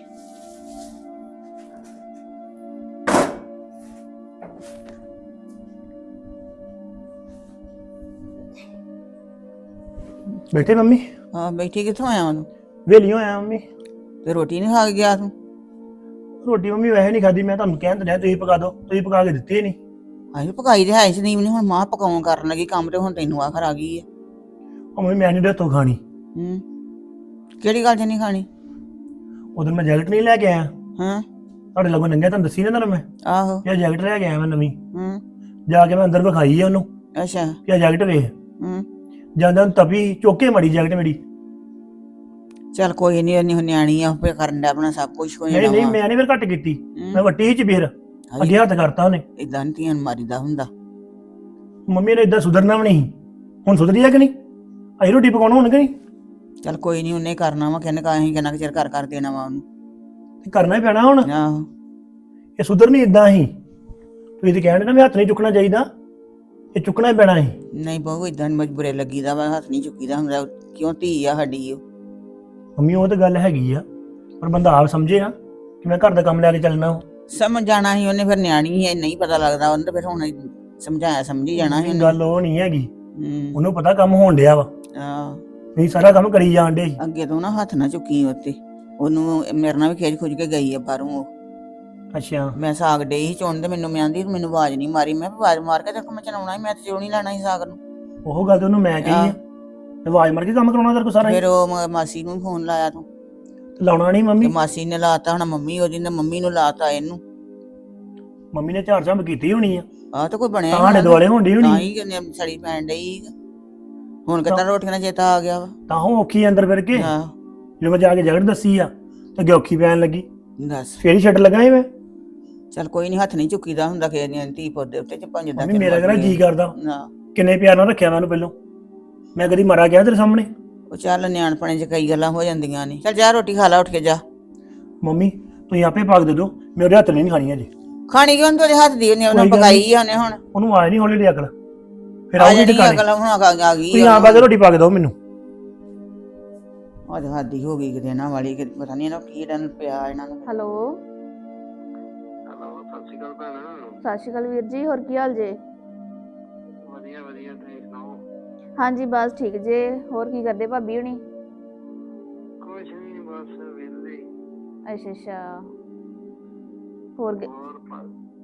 Speaker 6: ਬੈਠੇ ਮੰਮੀ?
Speaker 4: ਹਾਂ ਬੈਠੀ, ਕਿੱਥੋਂ ਆਇਆ ਉਹਨੂੰ?
Speaker 6: ਵੇਲੀ ਹੋਇਆ ਮੰਮੀ।
Speaker 4: ਤੇ ਰੋਟੀ ਨਹੀਂ ਖਾ ਕੇ ਗਿਆ ਤੂੰ?
Speaker 6: ਰੋਟੀ ਮੰਮੀ ਵੈਸੇ ਨਹੀਂ ਖਾਦੀ, ਮੈਂ ਤੁਹਾਨੂੰ ਕਹਿਣ ਦਿਆ ਤੁਸੀਂ ਪਕਾ ਦਿਓ, ਤੁਸੀਂ ਪਕਾ ਕੇ ਦਿੱਤੀ ਨਹੀਂ।
Speaker 4: ਆਹੀ ਪਕਾਈ ਤੇ ਹੈ ਸੰਦੀਪ ਨੇ, ਹੁਣ ਮਾਂ ਪਕਾਉਣ ਕਰਨ ਲੱਗੀ ਕੰਮ, ਤੇ ਹੁਣ ਤੈਨੂੰ ਆਖਰ ਆ ਗਈ ਹੈ।
Speaker 6: ਉਹ ਮੰਮੀ ਮੈਂ ਨਹੀਂ ਰੱਤੋਂ ਖਾਣੀ।
Speaker 4: ਹੂੰ, ਕਿਹੜੀ ਗੱਲ 'ਚ ਨਹੀਂ ਖਾਣੀ?
Speaker 6: ਉਦੋਂ ਮੈਂ ਜੈਕਟ ਨਹੀਂ ਲੈ ਕੇ ਆਇਆ,
Speaker 4: ਹਾਂ
Speaker 6: ਤੁਹਾਡੇ ਲੱਗੋਂ ਨੰਗਿਆ, ਤੁਹਾਨੂੰ ਦੱਸੀ ਨਾ ਤੁਹਾਨੂੰ ਮੈਂ,
Speaker 4: ਆਹੋ।
Speaker 6: ਇਹ ਜੈਕਟ ਲੈ ਕੇ ਆਇਆ ਮੈਂ ਨਵੀਂ।
Speaker 4: ਹੂੰ,
Speaker 6: ਜਾ ਕੇ ਮੈਂ ਅੰਦਰ ਵਿਖਾਈ ਆ ਉਹਨੂੰ
Speaker 4: ਅੱਛਾ।
Speaker 6: ਕਿ ਇਹ ਜੈਕਟ ਵੇਖ।
Speaker 4: ਹੂੰ,
Speaker 6: ਜਾਂਦਾ ਤਪੀ ਚੋਕੇ ਮੜੀ ਜੈਕਟ ਮੇਰੀ।
Speaker 4: ਚੱਲ ਕੋਈ ਨਹੀਂ, ਉਹਨੇ ਨਿਆਣੀ ਆ, ਆਪੇ ਕਰਨ ਦਾ ਆਪਣਾ ਸਭ ਕੁਝ ਹੋਇਆ।
Speaker 6: ਨਹੀਂ ਨਹੀਂ ਮੈਂ ਨਹੀਂ ਫਿਰ ਘੱਟ ਕੀਤੀ, ਮੈਂ ਵੱਟੀ ਚ ਫੇਰ ਅੱਗੇ ਹੱਥ ਕਰਤਾ ਉਹਨੇ।
Speaker 4: ਇਦਾਂ ਨਹੀਂ ਧੀਆਂ ਮਾਰੀਦਾ ਹੁੰਦਾ।
Speaker 6: ਮੰਮੀ ਨੇ ਇਦਾਂ ਸੁਧਰਨਾ ਵੀ ਨਹੀਂ, ਹੁਣ ਸੁਧਰੀ ਆ ਕਿ ਨਹੀਂ? ਅਸੀਂ ਰੋਟੀ ਪਕਾਉਣਾ ਹੁਣ ਕਿ ਨਹੀਂ?
Speaker 4: ਚੱਲ ਕੋਈ ਨਹੀਂ, ਉਹਨੇ ਕਰਨਾ ਵਾ, ਕਹਿੰਦੇ ਕਾਹੀਂ ਕਿੰਨਾ ਕੁ ਚਿਰ ਕਰ ਕਰ ਦੇਣਾ ਵਾ ਉਹਨੂੰ।
Speaker 6: ਤੇ ਕਰਨਾ ਹੀ ਪੈਣਾ ਹੁਣ,
Speaker 4: ਆਹੋ।
Speaker 6: ਇਹ ਸੁਧਰਨੀ ਇਦਾਂ ਹੀ। ਤੁਸੀਂ ਤੇ ਕਹਿਣ ਨਾ ਵੀ ਹੱਥ ਨਹੀਂ ਚੁੱਕਣਾ ਚਾਹੀਦਾ, ਇਹ ਚੁੱਕਣਾ ਹੀ ਪੈਣਾ ਸੀ।
Speaker 4: ਨਹੀਂ ਬਹੁ ਇਦਾਂ ਮਜਬੂਰੇ ਲੱਗੀਦਾ ਵਾ, ਹੱਥ ਨਹੀਂ ਚੁੱਕੀਦਾ ਹੁੰਦਾ, ਕਿਉਂ ਧੀ ਆ ਸਾਡੀ ਉਹ।
Speaker 6: ਮੰਮੀ ਉਹ ਤਾਂ ਗੱਲ ਹੈਗੀ ਆ, ਪਰ ਬੰਦਾ ਆਪ ਸਮਝੇ ਨਾ ਕਿ ਮੈਂ ਘਰ ਦਾ ਕੰਮ ਲੈ ਕੇ ਚੱਲਣਾ। ਉਹ
Speaker 4: ਸਮਝ ਜਾਣਾ ਸੀ ਉਹਨੇ, ਫਿਰ ਨਿਆਣੀ ਹੈ, ਨਹੀਂ ਪਤਾ ਲੱਗਦਾ ਉਹਨੂੰ, ਫਿਰ ਹੁਣ ਸਮਝਾਇਆ ਸਮਝੀ ਜਾਣਾ ਸੀ।
Speaker 6: ਗੱਲ ਉਹ ਨਹੀਂ ਹੈਗੀ,
Speaker 4: ਹੂੰ,
Speaker 6: ਉਹਨੂੰ ਪਤਾ ਕੰਮ ਹੋਣ ਡਿਆ ਵਾ,
Speaker 4: ਆਹ
Speaker 6: ਤੁਸੀਂ ਸਾਰਾ ਕੰਮ ਕਰੀ ਜਾਣ ਡੇ।
Speaker 4: ਅੱਗੇ ਤੋਂ ਨਾ ਹੱਥ ਨਾ ਚੁੱਕੀ ਉੱਤੇ। ਉਹਨੂੰ ਮੇਰੇ ਨਾਲ ਵੀ ਖੇਜ ਖੁੱਜ ਕੇ ਗਈ ਆ ਬਾਹਰੋਂ ਉਹ।
Speaker 6: ਅੱਛਾ,
Speaker 4: ਮੈਂ ਸਾਗ ਡੇ ਹੀ ਚੁਣ, ਤੇ ਮੈਨੂੰ ਮੈਂ ਆਂਦੀ ਮੈਨੂੰ ਆਵਾਜ਼ ਨਹੀਂ ਮਾਰੀ। ਮੈਂ ਆਵਾਜ਼ ਮਾਰ ਕੇ ਤੇ ਮੈਂ ਚਲਾਉਣਾ ਸੀ, ਮੈਂ ਤੇ ਚੋਣ ਹੀ ਲੈਣਾ ਸੀ ਸਾਗ ਨੂੰ।
Speaker 6: ਉਹ ਗੱਲ ਤੇ ਉਹਨੂੰ ਮੈਂ ਕਹੀ ਆ, ਆਵਾਜ਼ ਮਾਰ ਕੇ ਕੰਮ ਕਰਾਉਣਾ ਤੇਰੇ ਕੋਲ ਸਾਰਾ।
Speaker 4: ਫਿਰ ਉਹ ਮ- ਮਾਸੀ ਨੂੰ ਫੋਨ ਲਾਇਆ ਤੂੰ?
Speaker 6: ਲਾਉਣਾ ਨਹੀਂ
Speaker 4: ਤੇ
Speaker 6: ਮੰਮੀ,
Speaker 4: ਮਾਸੀ ਨੇ ਲਾਤਾ, ਹੁਣ ਮੰਮੀ ਉਹਦੀ ਨੇ ਮੰਮੀ ਨੂੰ ਲਾਤਾ ਇਹਨੂੰ।
Speaker 6: ਮੰਮੀ ਨੇ ਝਾੜ ਝੰਬ ਕੀਤੀ ਹੋਣੀ ਆ,
Speaker 4: ਆਹ ਤਾਂ ਕੋਈ ਬਣਿਆ
Speaker 6: ਤੁਹਾਡੇ ਦੁਆਲੇ ਹੁੰਦੀ
Speaker 4: ਤਾਂ
Speaker 6: ਹੋਣੀ,
Speaker 4: ਹੀ ਕਿੰਨੇ ਸੜੀ ਪੈਣ ਡਈ। ਹੁਣ ਕਿਤਾ ਰੋਟੀਆਂ ਦਾ ਚੇਤਾ ਆ ਗਿਆ ਵਾ।
Speaker 6: ਤਾਂ ਉਹ ਔਖੀ ਅੰਦਰ ਫਿਰ ਕੇ
Speaker 4: ਆਹ
Speaker 6: ਜਦੋਂ ਮੈਂ ਜਾ ਕੇ ਜਗੜ ਦੱਸੀ ਆ ਤੇ ਅੱਗੇ ਔਖੀ ਪੈਣ ਲੱਗੀ,
Speaker 4: ਦੱਸ,
Speaker 6: ਫੇਰ ਹੀ ਛੱਡ ਲਗਾ ਮੈਂ।
Speaker 4: ਚੱਲ ਕੋਈ ਨਹੀਂ, ਹੱਥ ਨਹੀਂ ਚੁੱਕੀਦਾ ਹੁੰਦਾ ਕਿਸੇ ਦੀਆਂ ਧੀ ਪੁੱਤ ਦੇ ਉੱਤੇ ਚ ਪੰਜ ਦਾ
Speaker 6: ਮੰਮੀ ਮੇਰਾ ਕਿਹੜਾ ਜੀ ਕਰਦਾ
Speaker 4: ਨਾ।
Speaker 6: ਕਿੰਨੇ ਪਿਆਰ ਨਾਲ ਰੱਖਿਆ ਮੈਨੂੰ ਪਹਿਲੋਂ, ਮੈਂ ਕਦੀ ਮਾਰਾ ਗਿਆ ਤੇਰੇ ਸਾਹਮਣੇ?
Speaker 4: ਉਹ ਚੱਲ ਨਿਆਣਪਣੇ ਚ ਕਈ ਗੱਲਾਂ ਹੋ ਜਾਂਦੀਆਂ ਨੇ। ਚੱਲ ਜਾ ਰੋਟੀ ਖਾ ਲਾ ਉੱਠ ਕੇ ਜਾ।
Speaker 6: ਮੰਮੀ ਤੁਸੀਂ ਆਪੇ ਪਾਕ ਦੇ ਦਿਓ, ਮੇਰੇ ਹੱਥ ਨਹੀਂ ਖਾਣੀ ਅਜੇ।
Speaker 4: ਖਾਣੀ ਕਿਉਂ ਤੇਰੇ ਹੱਥ ਦੀ ਉਹਨੇ ਉਹਨੇ
Speaker 6: ਕੋਈ ਗੱਲ
Speaker 4: ਪਕਾਈ ਆ ਉਹਨੇ ਹੁਣ।
Speaker 6: ਉਹਨੂੰ ਆਏ ਨਹੀਂ ਹੌਲੀ ਹੌਲੀ ਅਕਲ, ਫਿਰ
Speaker 4: ਆ
Speaker 6: ਆਉਗੀ
Speaker 4: ਜਿਹੜੀ
Speaker 6: ਟਿਕਾਣੇ।
Speaker 4: ਅਕਲ ਹੁਣ ਆ ਆ ਗਈ
Speaker 6: ਤੁਸੀਂ ਆਪ ਆ ਕੇ ਰੋਟੀ ਪਾ ਕੇ ਦਿਓ ਮੈਨੂੰ।
Speaker 4: ਅੱਜ ਹੱਦੀ ਹੋ ਗਈ ਕਿਤੇ ਇਹਨਾਂ ਵਾਲੀ, ਕਿਤੇ ਪਤਾ ਨਹੀਂ ਇਹਨਾਂ ਕੀ ਇਹਨਾਂ ਨੂੰ ਪਿਆ ਇਹਨਾਂ ਨੂੰ।
Speaker 2: ਹੈਲੋ
Speaker 7: ਹੈਲੋ, ਸਤਿ ਸ਼੍ਰੀ ਅਕਾਲ ਭੈਣ।
Speaker 2: ਸਤਿ ਸ਼੍ਰੀ ਅਕਾਲ ਵੀਰ ਜੀ, ਹੋਰ ਕੀ ਹਾਲ ਜੇ?
Speaker 7: ਵਧੀਆ ਵਧੀਆ, ਤੁਸੀਂ ਸੁਣਾਓ?
Speaker 2: ਹਾਂਜੀ ਬਸ ਠੀਕ ਜੇ। ਹੋਰ ਕੀ ਕਰਦੇ ਭਾਬੀ ਹੁਣੀ?
Speaker 7: ਕੁਛ ਨਹੀਂ, ਬਸ ਵਿਹਲੇ।
Speaker 2: ਅੱਛਾ ਅੱਛਾ। ਹੋਰ ਗ-
Speaker 7: ਹੋਰ ਭਾ-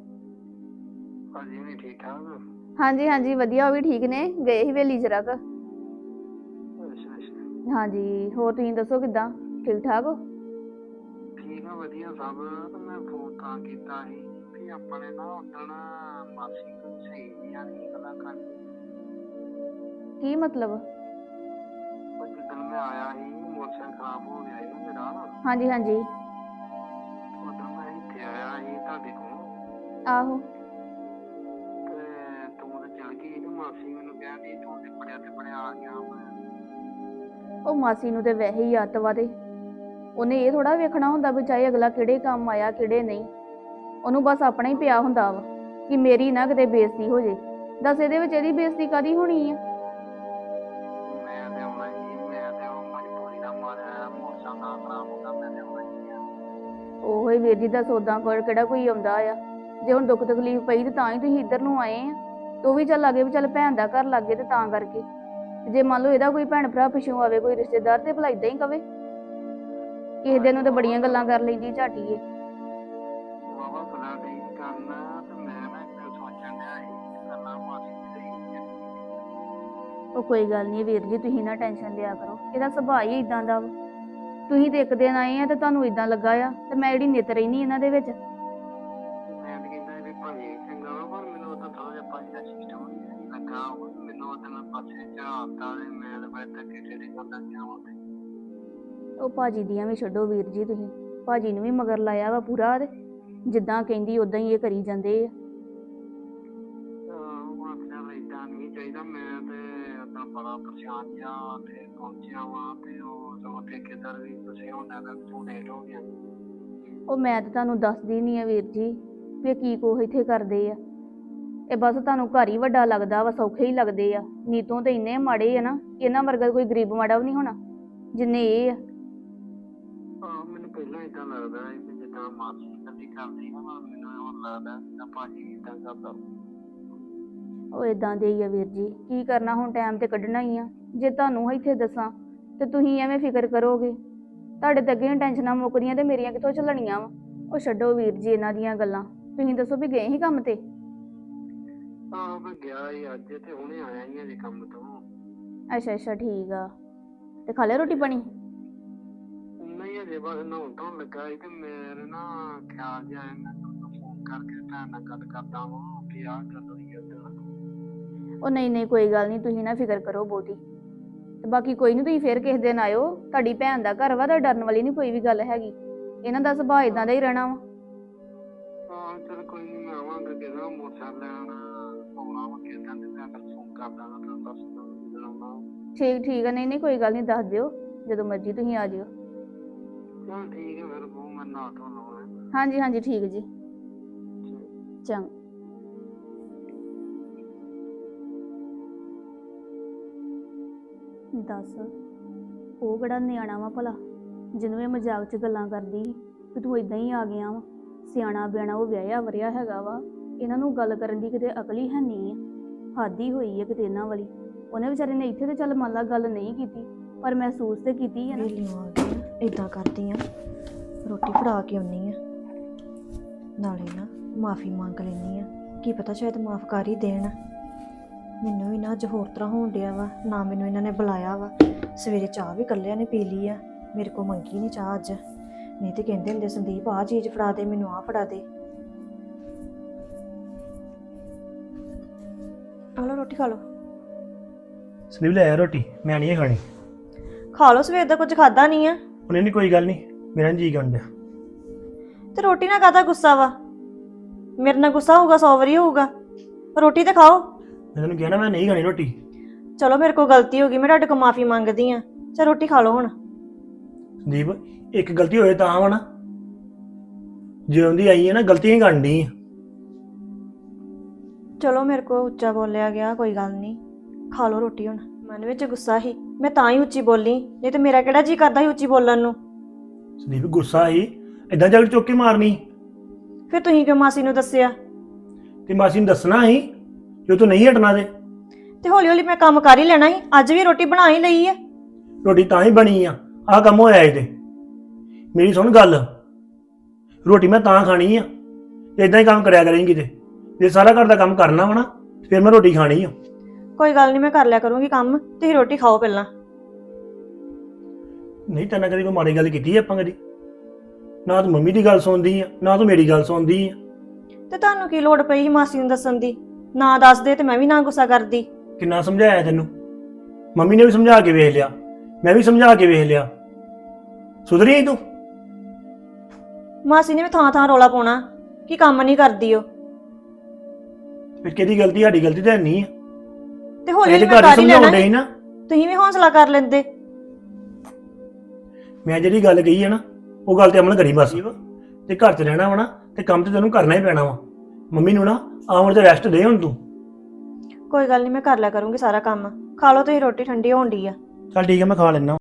Speaker 7: ਭਾਜੀ ਵੀ ਠੀਕ ਠਾਕ?
Speaker 2: ਹਾਂਜੀ ਹਾਂਜੀ ਵਧੀਆ, ਉਹ ਵੀ ਠੀਕ ਨੇ, ਗਏ ਸੀ ਵੇਲੀ ਜਰਾ ਕੁ।
Speaker 7: ਅੱਛਾ ਅੱਛਾ,
Speaker 2: ਹਾਂਜੀ ਹੋਰ ਤੁਸੀਂ ਦੱਸੋ ਕਿੱਦਾਂ, ਠੀਕ ਠਾਕ ਹੋ?
Speaker 7: ਠੀਕ ਆ, ਵਧੀਆ ਸਭ। ਤੇ ਮੈਂ ਫੋਨ ਤਾਂ ਕੀਤਾ ਸੀ ਵੀ ਆਪਣੇ ਨਾ ਉਦਣ ਮਾਸੀ ਨੂੰ ਸਹੀ ਨਹੀਂ ਆਣੀ ਗੱਲਾਂ ਕਰਨੀ।
Speaker 2: ਕੀ ਮਤਲਬ?
Speaker 7: ਉਹ ਜਿੱਦਣ ਮੈਂ ਆਇਆ ਸੀ, ਮੋਟਰਸਾਈਕਲ ਖਰਾਬ ਹੋ ਗਿਆ ਸੀ ਮੇਰਾ।
Speaker 2: ਹਾਂਜੀ ਹਾਂਜੀ
Speaker 7: ਉਦੋਂ ਮੈਂ ਇੱਥੇ ਆਇਆ ਸੀ ਤੁਹਾਡੇ ਕੋਲ,
Speaker 2: ਆਹੋ।
Speaker 7: ਤੇ ਤੂੰ ਤੇ ਚਲ ਗਈ ਤੇ ਮਾਸੀ ਮੈਨੂੰ ਕਹਿੰਦੀ ਤੂੰ ਤੇ ਬੜਿਆ ਤੇ ਬੜਿਆ ਆ ਗਿਆ। ਮੈਂ
Speaker 2: ਉਹ ਮਾਸੀ ਨੂੰ ਤੇ ਵੈਸੇ ਹੀ ਅੱਤ ਵਾ, ਤੇ ਉਹਨੇ ਇਹ ਥੋੜਾ ਵੇਖਣਾ ਹੁੰਦਾ ਵੀ ਚਾਹੇ ਅਗਲਾ ਕਿਹੜੇ ਕੰਮ ਆਇਆ ਕਿਹੜੇ ਨਹੀਂ। ਉਹਨੂੰ ਬਸ ਆਪਣਾ ਹੀ ਪਿਆ ਹੁੰਦਾ ਵਾ ਕਿ ਮੇਰੀ ਨਾ ਕਿਤੇ ਬੇਇੱਜ਼ਤੀ ਹੋ ਜੇ। ਦੱਸ ਇਹਦੇ ਵਿੱਚ ਇਹਦੀ ਬੇਇੱਜ਼ਤੀ ਕਾਦੀ ਹੋਣੀ ਆ?
Speaker 7: ਮੈਂ ਤੇ ਆਉਣਾ ਹੀ, ਮੈਂ ਤੇ ਉਹ ਮਜਬੂਰੀ ਦਾ ਮਾਰਿਆ ਮੋਟਰਸਾਈਕਲ ਨਾ ਖਰਾਬ ਹੋ ਗਿਆ, ਮੈਂ ਤੇ ਆਉਣਾ ਹੀ ਆ।
Speaker 2: ਉਹੋ ਹੀ ਵੀਰ ਜੀ ਦਾ ਸੌਦਾ ਕੋਲ ਕਿਹੜਾ ਕੋਈ ਆਉਂਦਾ ਆ? ਜੇ ਹੁਣ ਦੁੱਖ ਤਕਲੀਫ ਪਈ ਤੇ ਤਾਂ ਹੀ ਤੁਸੀਂ ਇੱਧਰ ਨੂੰ ਆਏ ਆ। ਤੇ ਉਹ ਵੀ ਚੱਲ ਲੱਗੇ ਵੀ ਚੱਲ ਭੈਣ ਦਾ ਘਰ ਲੱਗੇ, ਤੇ ਤਾਂ ਕਰਕੇ। ਜੇ ਮੰਨ ਲਓ ਇਹਦਾ ਕੋਈ ਭੈਣ ਭਰਾ ਪਿੱਛੋਂ ਆਵੇ, ਕੋਈ ਰਿਸ਼ਤੇਦਾਰ, ਤੇ ਭਲਾ ਏਦਾਂ ਹੀ ਕਵੇ। ਕਿਸੇ ਦਿਨ ਨੂੰ ਤਾਂ ਬੜੀਆਂ ਗੱਲਾਂ ਕਰ ਲੈਂਦੀ ਝਾਟੀ ਏ।
Speaker 7: ਬਾਬਾ ਖੁਦਾ ਨਹੀਂ ਕਰਨਾ, ਤੇ ਮੈਂ ਨਾ ਇੱਕ ਸੋਚਣ ਡਿਆ ਸੀ ਗੱਲਾਂ ਮਾਸੀ ਦੀ ਸਹੀ।
Speaker 2: ਉਹ ਕੋਈ ਗੱਲ ਨਹੀਂ ਵੀਰ ਜੀ, ਤੁਸੀਂ ਨਾ ਟੈਨਸ਼ਨ ਲਿਆ ਕਰੋ, ਇਹਦਾ ਸੁਭਾਅ ਹੀ ਇਦਾਂ ਦਾ ਵਾ। ਤੁਸੀਂ ਤੇ ਇੱਕ ਦਿਨ ਆਏ ਆ ਤੇ ਤੁਹਾਨੂੰ ਇਦਾਂ ਲੱਗਾ ਆ, ਤੇ ਮੈਂ ਜਿਹੜੀ ਨਿੱਤ ਰਹਿਨੀ ਇਹਨਾਂ ਦੇ ਵਿੱਚ।
Speaker 7: ਮੈਂ ਤਾਂ ਕਹਿੰਦਾ ਵੀ ਭਾਜੀ ਚੰਗਾ ਵਾ, ਪਰ ਮੈਨੂੰ ਉਹ ਤਾਂ ਥੋੜਾ ਜਿਹਾ ਭਾਜੀ ਦਾ ਸਿਸਟਮ ਨਹੀਂ ਲੱਗਾ। ਮੈਨੂੰ ਉਹ ਤਾਂ ਪਾਸੇ ਝਾੜਤਾ ਤੇ ਮੈਂ ਤਾਂ ਬੜੇ ਧੱਕੇ ਤੇਰੇ ਕਰਦਾ ਗਿਆ ਵਾ।
Speaker 2: ਉਹ ਭਾਜੀ ਦੀਆਂ ਵੀ ਛੱਡੋ ਵੀਰ ਜੀ, ਤੁਸੀਂ ਭਾਜੀ ਨੂੰ ਵੀ ਮਗਰ ਲਾਇਆ ਵਾ ਪੂਰਾ, ਤੇ ਜਿੱਦਾਂ ਕਹਿੰਦੀ ਉਦਾਂ ਹੀ ਇਹ ਕਰੀ ਜਾਂਦੇ ਆ।
Speaker 7: ਹੁਣ ਚੱਲ ਏਦਾਂ ਨਹੀਂ ਚਾਹੀਦਾ। ਮੈਂ ਤੇ ਆਪਣਾ ਬੜਾ ਪਰੇਸ਼ਾਨ ਜਿਹਾ ਤੇ ਪਹੁੰਚਿਆ ਵਾਂ, ਤੇ ਉਹ ਜੋ ਠੇਕੇਦਾਰ ਵੀ ਤੁਸੀਂ ਉਹਨਾਂ ਦਾ ਤੂੰ ਲੇਟ ਹੋ ਗਿਆ।
Speaker 2: ਉਹ ਮੈਂ ਤਾਂ ਤੁਹਾਨੂੰ ਦੱਸਦੀ ਨਹੀਂ ਆ ਵੀਰ ਜੀ ਵੀ ਇਹ ਕੀ ਕੁਛ ਇੱਥੇ ਕਰਦੇ ਆ। ਇਹ ਬਸ ਤੁਹਾਨੂੰ ਘਰ ਹੀ ਵੱਡਾ ਲੱਗਦਾ ਵਾ, ਸੌਖੇ ਹੀ ਲੱਗਦੇ ਆ। ਨੀਤੋਂ ਤੇ ਇੰਨੇ ਮਾੜੇ ਆ ਨਾ, ਇਹਨਾਂ ਵਰਗਾ ਕੋਈ ਗਰੀਬ ਮਾੜਾ ਵੀ ਨਹੀਂ ਹੋਣਾ ਜਿੰਨੇ ਇਹ ਆ।
Speaker 7: ਹਾਂ, ਮੈਨੂੰ ਪਹਿਲਾਂ ਏਦਾਂ ਲੱਗਦਾ ਹੈ ਕਿ ਜਿੱਦਾਂ ਮਾਸੀ ਕਦੀ ਕਰਦੀ ਨਾ, ਮੈਨੂੰ ਉਹ ਲੱਗਦਾ ਜਿੱਦਾਂ ਭਾਜੀ ਏਦਾਂ ਕਰਦਾ।
Speaker 2: ਉਹ ਇਦਾਂ ਦੇ ਹੀ ਆ ਵੀਰ ਜੀ, ਕੀ ਕਰਨਾ ਹੁਣ, ਟਾਈਮ ਤੇ ਕੱਢਣਾ ਹੀ ਆ। ਜੇ ਤੁਹਾਨੂੰ ਇੱਥੇ ਦੱਸਾਂ ਤੇ ਤੁਸੀਂ ਐਵੇਂ ਫਿਕਰ ਕਰੋਗੇ। ਤੁਹਾਡੇ ਤੇ ਅੱਗੇ ਟੈਨਸ਼ਨਾਂ ਮੁੱਕਦੀਆਂ ਤੇ ਮੇਰੀਆਂ ਕਿੱਥੋਂ ਚੱਲਣੀਆਂ ਵਾ? ਉਹ ਛੱਡੋ ਵੀਰ ਜੀ ਇਹਨਾਂ ਦੀਆਂ ਗੱਲਾਂ। ਤੁਸੀਂ ਦੱਸੋ ਵੀ ਗਏ ਹੀ ਕੰਮ ਤੇ?
Speaker 7: ਹਾਂ, ਮੈਂ ਗਿਆ ਹੀ ਅੱਜ, ਤੇ ਹੁਣੇ ਆਇਆ ਹੀ ਅਜੇ ਕੰਮ ਤੋਂ।
Speaker 2: ਅੱਛਾ ਅੱਛਾ ਠੀਕ ਆ। ਤੇ ਖਾ ਲਿਆ ਰੋਟੀ ਪਾਣੀ?
Speaker 7: ਨਹੀਂ ਅਜੇ ਬਸ ਨਹਾਉਣ ਧੋਣ ਲੱਗਾ ਸੀ, ਤੇ ਮੇਰੇ ਨਾ ਖਿਆਲ ਜਿਹਾ ਆਇਆ, ਮੈਂ ਤੁਹਾਨੂੰ ਫੋਨ ਕਰਕੇ ਭੈਣ ਨਾਲ ਗੱਲ ਕਰਦਾ ਵਾਂ ਕਿ ਆਹ ਗੱਲ ਹੋਈ ਉੱਧਰ।
Speaker 2: ਉਹ ਨਹੀਂ ਨਹੀਂ ਕੋਈ ਗੱਲ ਨਹੀਂ, ਤੁਸੀਂ ਨਾ ਫਿਕਰ ਕਰੋ ਬਹੁਤੀ। ਤੇ ਬਾਕੀ ਕੋਈ ਨਹੀਂ, ਤੁਸੀਂ ਫੇਰ ਕਿਸੇ ਦਿਨ ਆਇਓ। ਤੁਹਾਡੀ ਭੈਣ ਦਾ ਘਰ ਵਾ, ਤਾਂ ਡਰਨ ਵਾਲੀ ਨਹੀਂ ਕੋਈ ਵੀ ਗੱਲ ਹੈਗੀ। ਇਹਨਾਂ ਦਾ ਸੁਭਾਅ ਇਦਾਂ ਦਾ ਹੀ ਰਹਿਣਾ ਵਾ।
Speaker 7: ਹਾਂ ਚਲ ਕੋਈ ਨਹੀਂ, ਮੈਂ ਆਵਾਂਗਾ ਕਿਹਦਾ ਮੋਟਰਸਾਈਕਲ ਲੈਣ ਆਉਣਾ ਵਾ ਕਿਸੇ ਦਿਨ, ਤੇ ਮੈਂ ਫਿਰ ਫੋਨ ਕਰ ਦਾਂਗਾ ਤੁਹਾਨੂੰ, ਦੱਸ ਦਾਂਗਾ ਜਦੋਂ ਆਉਣਾ।
Speaker 2: ਠੀਕ ਠੀਕ ਆ, ਨਹੀਂ ਨਹੀਂ ਕੋਈ ਗੱਲ ਨਹੀਂ, ਦੱਸ ਦਿਓ ਜਦੋਂ ਮਰਜ਼ੀ ਤੁਸੀਂ ਆ ਜਿਓ।
Speaker 7: ਚਲ ਠੀਕ ਹੈ ਫਿਰ, ਉਹ ਮੈਂ ਨਹਾ ਧੋ ਲਵਾਂ।
Speaker 2: ਹਾਂਜੀ ਹਾਂਜੀ ਠੀਕ ਜੀ, ਚੰਗਾ। ਦੱਸ ਉਹ ਕਿਹੜਾ ਨਿਆਣਾ ਵਾ ਭਲਾ, ਜਿਹਨੂੰ ਇਹ ਮਜ਼ਾਕ 'ਚ ਗੱਲਾਂ ਕਰਦੀ ਸੀ ਕਿ ਤੂੰ ਇਦਾਂ ਹੀ ਆ ਗਿਆ ਵਾ। ਸਿਆਣਾ ਬਿਆਣਾ ਉਹ ਵਿਆਹਿਆ ਵਰਿਆ ਹੈਗਾ ਵਾ, ਇਹਨਾਂ ਨੂੰ ਗੱਲ ਕਰਨ ਦੀ ਕਿਤੇ ਅਕਲ ਹੀ ਹੈ ਨਹੀਂ ਆ। ਹੱਦ ਹੀ ਹੋਈ ਹੈ ਕਿਤੇ ਇਹਨਾਂ ਵਾਲੀ। ਉਹਨੇ ਵਿਚਾਰੇ ਨੇ ਇੱਥੇ ਤੇ ਚੱਲ ਮੰਨ ਲਾ ਗੱਲ ਨਹੀਂ ਕੀਤੀ, ਪਰ ਮਹਿਸੂਸ ਤੇ ਕੀਤੀ ਹੈ ਨਾ।
Speaker 5: ਵੇਲੀਓ ਆ ਗਈ ਆ, ਏਦਾਂ ਕਰਦੀ ਆ, ਰੋਟੀ ਫੜਾ ਕੇ ਆਉਣੀ ਆ, ਨਾਲੇ ਨਾ ਮਾਫੀ ਮੰਗ ਲੈਣੀ ਆ। ਕੀ ਪਤਾ ਸ਼ਾਇਦ ਮਾਫ ਕਰ ਹੀ ਦੇਣ। ਮੈਨੂੰ ਵੀ ਨਾ ਅੱਜ ਹੋਰ ਤਰ੍ਹਾਂ ਹੋਣ ਡਿਆ ਵਾ, ਨਾ ਮੈਨੂੰ ਇਹਨਾਂ ਨੇ ਬੁਲਾਇਆ ਵਾ। ਸਵੇਰੇ ਚਾਹ ਵੀ ਇਕੱਲਿਆਂ ਨੇ ਪੀ ਲਈ ਆ, ਮੇਰੇ ਕੋਲ ਮੰਗੀ ਨਹੀਂ ਚਾਹ ਅੱਜ। ਨਹੀਂ ਤੇ ਕਹਿੰਦੇ ਹੁੰਦੇ ਸੰਦੀਪ ਆਹ ਚੀਜ਼ ਫੜਾ ਦੇ ਮੈਨੂੰ, ਆਹ ਫੜਾ ਦੇ। ਆ ਲਓ ਰੋਟੀ ਖਾ ਲਓ।
Speaker 6: ਸੰਦੀਪ ਲੈ ਆ ਰੋਟੀ, ਮੈਂ ਨਹੀਂ ਖਾਣੀ।
Speaker 5: ਖਾ ਲਓ, ਸਵੇਰ ਦਾ ਕੁਝ ਖਾਦਾ ਨਹੀਂ ਆ।
Speaker 6: ਉਹਨੇ ਨਹੀਂ, ਕੋਈ ਗੱਲ ਨਹੀਂ, ਮੇਰਾ ਜੀ ਕਰਨ ਡਿਆ।
Speaker 5: ਤੇ ਰੋਟੀ ਨਾਲ ਕਾਹਦਾ ਗੁੱਸਾ ਵਾ? ਮੇਰੇ ਨਾਲ ਗੁੱਸਾ ਹੋਊਗਾ ਸੌ ਵਾਰੀ ਹੋਊਗਾ। ਰੋਟੀ ਤੇ ਖਾਓ।
Speaker 6: ਮੈਂ ਤੈਨੂੰ ਕਿਹਾ ਨਾ ਮੈਂ ਨਹੀਂ ਖਾਣੀ ਰੋਟੀ।
Speaker 5: ਚਲੋ ਮੇਰੇ ਕੋਲ ਗਲਤੀ ਹੋ ਗਈ, ਮੈਂ ਤੁਹਾਡੇ ਕੋਲ ਮਾਫੀ ਮੰਗਦੀ ਆ। ਚਲ ਰੋਟੀ ਖਾ ਲਓ ਹੁਣ।
Speaker 6: ਸੰਦੀਪ ਇੱਕ ਗਲਤੀ ਹੋਏ ਤਾਂ ਵਾ ਨਾ, ਜਿਉਂ ਦੀ ਆਈ ਹੈ ਨਾ ਗਲਤੀਆਂ ਹੀ ਕਰਨ ਡਈ ਆ।
Speaker 5: ਚਲੋ ਮੇਰੇ ਕੋਲ ਉੱਚਾ ਬੋਲਿਆ ਗਿਆ, ਕੋਈ ਗੱਲ ਨਹੀਂ, ਖਾ ਲਓ ਰੋਟੀ ਹੁਣ। ਮਨ ਵਿੱਚ ਗੁੱਸਾ ਸੀ, ਮੈਂ ਤਾਂ ਹੀ ਉੱਚੀ ਬੋਲੀ, ਨਹੀਂ ਤੇ ਮੇਰਾ ਕਿਹੜਾ ਜੀ ਕਰਦਾ ਸੀ ਉੱਚੀ ਬੋਲਣ ਨੂੰ।
Speaker 6: ਸੰਦੀਪ ਗੁੱਸਾ ਸੀ, ਏਦਾਂ ਜਗ ਚੁੱਕ ਕੇ ਮਾਰਨੀ।
Speaker 5: ਫਿਰ ਤੁਸੀਂ ਕਿਉਂ ਮਾਸੀ ਨੂੰ ਦੱਸਿਆ?
Speaker 6: ਤੇ ਮਾਸੀ ਨੂੰ ਦੱਸਣਾ ਸੀ ਜੋ ਤੂੰ ਨਹੀਂ ਹਟਣਾ ਤੇ
Speaker 5: ਤੇ ਹੌਲੀ ਹੌਲੀ ਮੈਂ ਕੰਮ ਕਰ ਹੀ ਲੈਣਾ ਸੀ। ਅੱਜ ਵੀ ਰੋਟੀ ਬਣਾ ਹੀ ਲਈ ਹੈ।
Speaker 6: ਰੋਟੀ ਤਾਂ ਹੀ ਬਣੀ ਆ, ਆਹ ਕੰਮ ਹੋਇਆ ਏ ਤੇ। ਮੇਰੀ ਸੁਣ ਗੱਲ, ਰੋਟੀ ਮੈਂ ਤਾਂ ਖਾਣੀ ਆ ਇਦਾਂ ਹੀ ਕੰਮ ਕਰਿਆ ਕਰੇਂਗੀ ਤੇ ਜੇ ਸਾਰਾ ਘਰ ਦਾ ਕੰਮ ਕਰਨਾ ਵਾ ਨਾ ਫਿਰ ਮੈਂ ਰੋਟੀ ਖਾਣੀ ਆ।
Speaker 5: ਕੋਈ ਗੱਲ ਨਹੀਂ, ਮੈਂ ਕਰ ਲਿਆ ਕਰੂੰਗੀ ਕੰਮ, ਤੁਸੀਂ ਰੋਟੀ ਖਾਓ ਪਹਿਲਾਂ।
Speaker 6: ਨਹੀਂ ਤੈਨਾਂ ਕਦੀ ਕੋਈ ਮਾੜੀ ਗੱਲ ਕੀਤੀ ਆ ਆਪਾਂ ਕਦੀ? ਨਾ ਤੂੰ ਮੰਮੀ ਦੀ ਗੱਲ ਸੁਣਦੀ ਆ ਨਾ ਤੂੰ ਮੇਰੀ ਗੱਲ ਸੁਣਦੀ ਆ।
Speaker 5: ਤੇ ਤੁਹਾਨੂੰ ਕੀ ਲੋੜ ਪਈ ਸੀ ਮਾਸੀ ਨੂੰ ਦੱਸਣ ਦੀ? ਨਾ ਦੱਸਦੇ ਤੇ ਮੈਂ ਵੀ ਨਾ ਗੁੱਸਾ ਕਰਦੀ।
Speaker 6: ਕਿੰਨਾ ਸਮਝਾਇਆ ਤੈਨੂੰ, ਮੰਮੀ ਨੇ ਵੀ ਸਮਝਾ ਕੇ ਵੇਖ ਲਿਆ, ਮੈਂ ਵੀ ਸਮਝਾ ਕੇ ਵੇਖ ਲਿਆ, ਸੁਧਰੀ ਤੂੰ?
Speaker 5: ਮਾਸੀ ਨੇ ਵੀ ਥਾਂ ਥਾਂ ਰੋਲਾ ਪਾਉਣਾ ਕਿ ਕੰਮ ਨਹੀਂ ਕਰਦੀ ਉਹ।
Speaker 6: ਫਿਰ ਕਿਹਦੀ ਗਲਤੀ? ਸਾਡੀ ਗਲਤੀ ਤਾਂ ਨਹੀਂ ਆ।
Speaker 5: ਤੇ ਹੌਲੀ
Speaker 6: ਇਹ
Speaker 5: ਹੌਲੀ
Speaker 6: ਤੇ
Speaker 5: ਮੈਂ
Speaker 6: ਘਰ ਹੀ
Speaker 5: ਕਰ ਹੀ
Speaker 6: ਸਮਝਾਉਣ
Speaker 5: ਲੈਣਾ
Speaker 6: ਡਈ
Speaker 5: ਸੀ।
Speaker 6: ਨਾ।
Speaker 5: ਤੁਸੀਂ ਵੀ ਹੌਸਲਾ ਕਰ ਲੈਂਦੇ।
Speaker 6: ਮੈਂ ਜਿਹੜੀ ਗੱਲ ਕਹੀ ਹੈ ਨਾ ਉਹ ਗੱਲ ਤੇ ਅਮਲ ਕਰੀ ਬਸ। ਤੇ ਘਰ 'ਚ ਰਹਿਣਾ ਵਾ ਨਾ ਤੇ ਕੰਮ ਤੇ ਤੈਨੂੰ ਕਰਨਾ ਹੀ ਪੈਣਾ ਵਾ। ਮੰਮੀ ਨੂੰ ਨਾ ਆਉਣ ਤੇ ਰੈਸਟ ਦੇ ਹੁਣ ਤੂੰ।
Speaker 5: ਕੋਈ ਗੱਲ ਨਹੀਂ, ਮੈਂ ਕਰ ਲਿਆ ਕਰੂੰਗੀ ਸਾਰਾ ਕੰਮ। ਖਾ ਲਓ ਤੁਸੀਂ ਰੋਟੀ, ਠੰਡੀ ਹੋਣ ਡਈ ਆ।
Speaker 6: ਚੱਲ ਠੀਕ ਹੈ ਮੈਂ ਖਾ ਲੈਣਾ।